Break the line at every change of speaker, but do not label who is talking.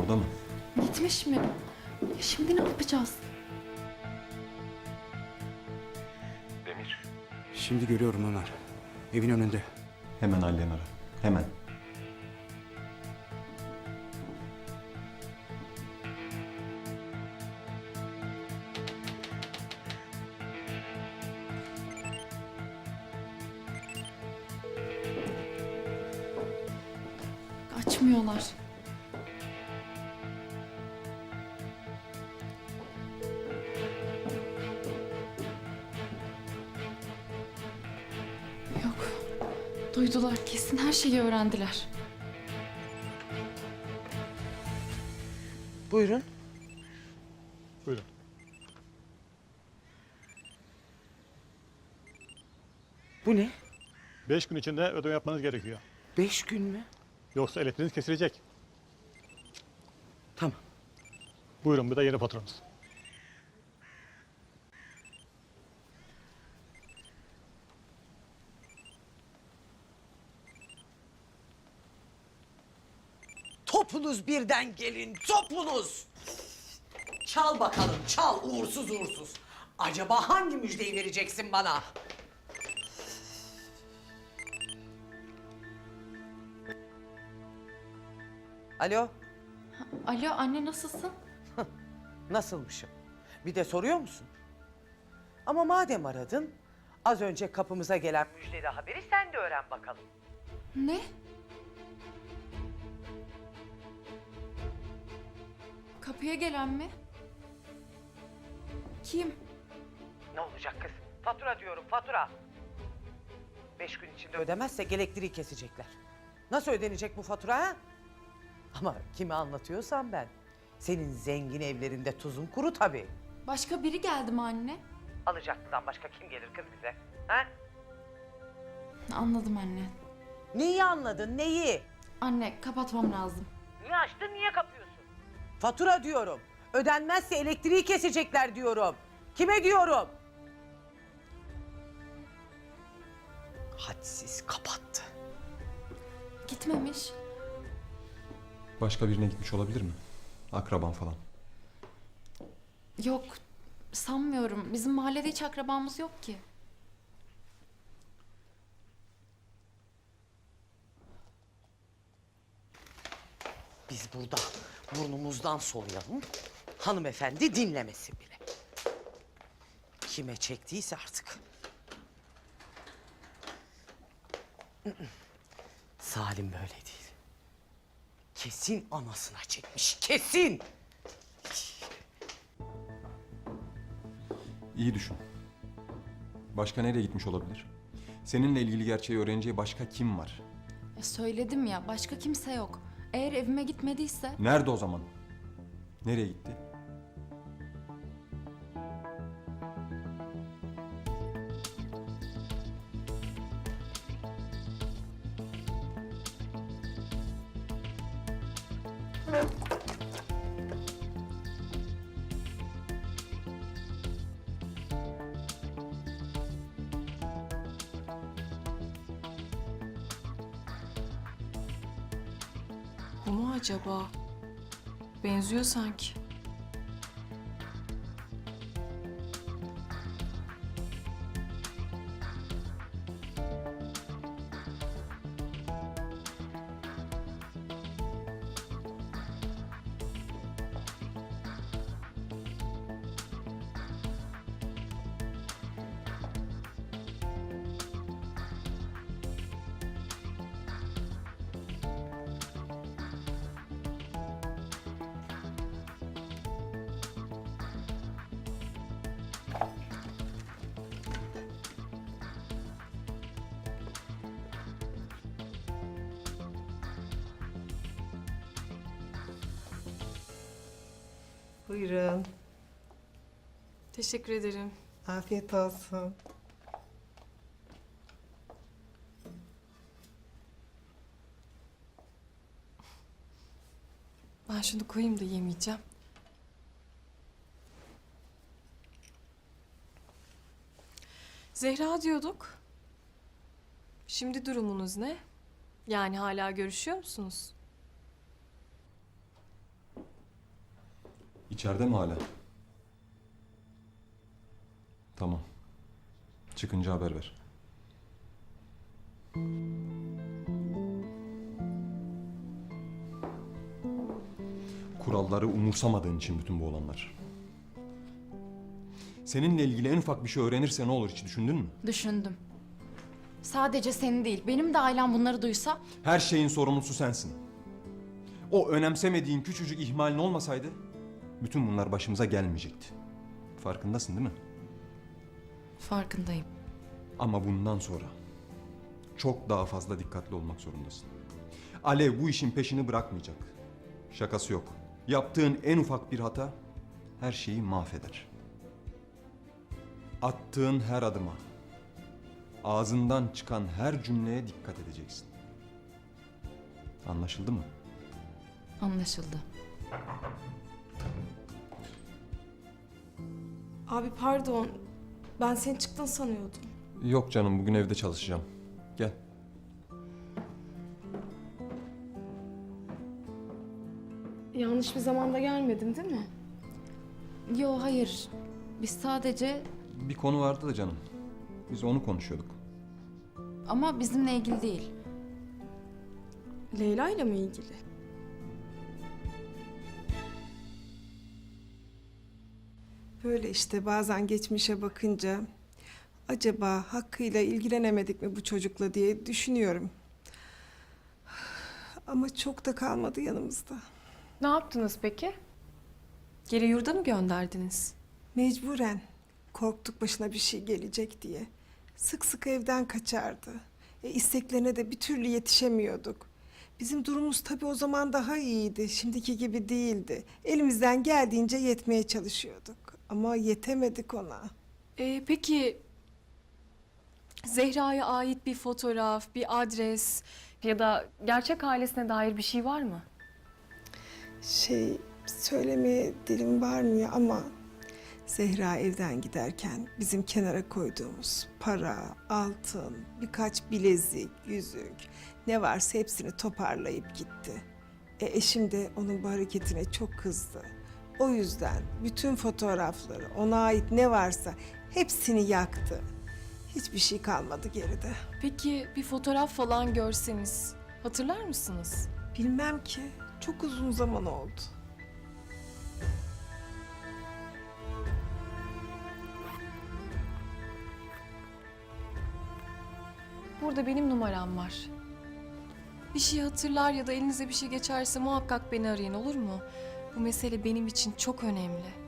Orada mı?
Gitmiş mi? Ya şimdi ne yapacağız?
Demir.
Şimdi görüyorum Ömer. Evin önünde.
Hemen Aliye'ni ara. Hemen.
Açmıyorlar. Yok. Duydular, kesin her şeyi öğrendiler.
Buyurun.
Buyurun.
Bu ne?
5 gün içinde ödeme yapmanız gerekiyor.
5 gün mü?
Yoksa elektriğiniz kesilecek.
Tamam.
Buyurun, bu da yeni faturanız.
Topunuz birden gelin, topunuz! Çal bakalım, çal uğursuz uğursuz. Acaba hangi müjdeyi vereceksin bana? Alo,
Alo anne, nasılsın?
nasılmışım? Bir de soruyor musun? Ama madem aradın, az önce kapımıza gelen müjdeli haberi sen de öğren bakalım.
Ne? Kapıya gelen mi? Kim?
Ne olacak kız? Fatura diyorum, fatura. 5 gün içinde ödemezsek elektriği kesecekler. Nasıl ödenecek bu fatura ha? Ama kime anlatıyorsam ben. Senin zengin evlerinde tuzun kuru tabii.
Başka biri geldi mi anne?
Alacaklıdan başka kim gelir kız bize? Ha?
Anladım anne.
Neyi anladın, neyi?
Anne, kapatmam lazım.
Niye açtın, niye kapıyorsun? Fatura diyorum. Ödenmezse elektriği kesecekler diyorum. Kime diyorum? Hadsiz kapattı.
Gitmemiş.
Başka birine gitmiş olabilir mi? Akraban falan.
Yok, sanmıyorum. Bizim mahallede hiç akrabamız yok ki.
Biz burada burnumuzdan soluyalım. Hanımefendi dinlemesin bile. Kime çektiyse artık. Salim böyle değil. Kesin anasına çekmiş, kesin.
İyi düşün. Başka nereye gitmiş olabilir? Seninle ilgili gerçeği öğreneceği başka kim var?
Ya söyledim ya, başka kimse yok. Eğer evime gitmediyse...
Nerede o zaman? Nereye gitti?
Bu mu acaba? Benziyor sanki.
Buyurun.
Teşekkür ederim.
Afiyet olsun.
Ben şunu koyayım da yemeyeceğim. Zehra diyorduk. Şimdi durumunuz ne? Yani hala görüşüyor musunuz?
İçeride mi hala? Tamam. Çıkınca haber ver. Kuralları umursamadığın için bütün bu olanlar. Seninle ilgili en ufak bir şey öğrenirse ne olur hiç düşündün mü?
Düşündüm. Sadece senin değil, benim de ailem bunları duysa
Her şeyin sorumlusu sensin. O önemsemediğin küçücük ihmalin olmasaydı bütün bunlar başımıza gelmeyecekti. Farkındasın değil mi?
farkındayım.
Ama bundan sonra çok daha fazla dikkatli olmak zorundasın. Alev bu işin peşini bırakmayacak. Şakası yok. Yaptığın en ufak bir hata her şeyi mahveder. Attığın her adıma, ağzından çıkan her cümleye dikkat edeceksin. Anlaşıldı mı?
Anlaşıldı.
Abi pardon. Ben sen çıktın sanıyordum.
Yok canım, bugün evde çalışacağım. Gel.
Yanlış bir zamanda gelmedim değil mi?
Yo hayır. Biz sadece
Bir konu vardı da canım. Biz onu konuşuyorduk.
ama bizimle ilgili değil.
Leyla ile mi ilgili?
Böyle işte bazen geçmişe bakınca acaba hakkıyla ilgilenemedik mi bu çocukla diye düşünüyorum. Ama çok da kalmadı yanımızda.
Ne yaptınız peki? Geri yurda mı gönderdiniz?
Mecburen korktuk başına bir şey gelecek diye. Sık sık evden kaçardı. İsteklerine de bir türlü yetişemiyorduk. Bizim durumumuz tabii o zaman daha iyiydi. Şimdiki gibi değildi. Elimizden geldiğince yetmeye çalışıyorduk. Ama yetemedik ona.
Peki Zehra'ya ait bir fotoğraf, bir adres ya da gerçek ailesine dair bir şey var mı?
Söylemeye dilim varmıyor ama Zehra evden giderken bizim kenara koyduğumuz para, altın, birkaç bilezik, yüzük ne varsa hepsini toparlayıp gitti. Eşim de onun bu hareketine çok kızdı. O yüzden bütün fotoğrafları, ona ait ne varsa hepsini yaktı. Hiçbir şey kalmadı geride.
Peki bir fotoğraf falan görseniz hatırlar mısınız?
Bilmem ki, çok uzun zaman oldu.
Burada benim numaram var. Bir şey hatırlar ya da elinize bir şey geçerse muhakkak beni arayın, olur mu? Bu mesele benim için çok önemli.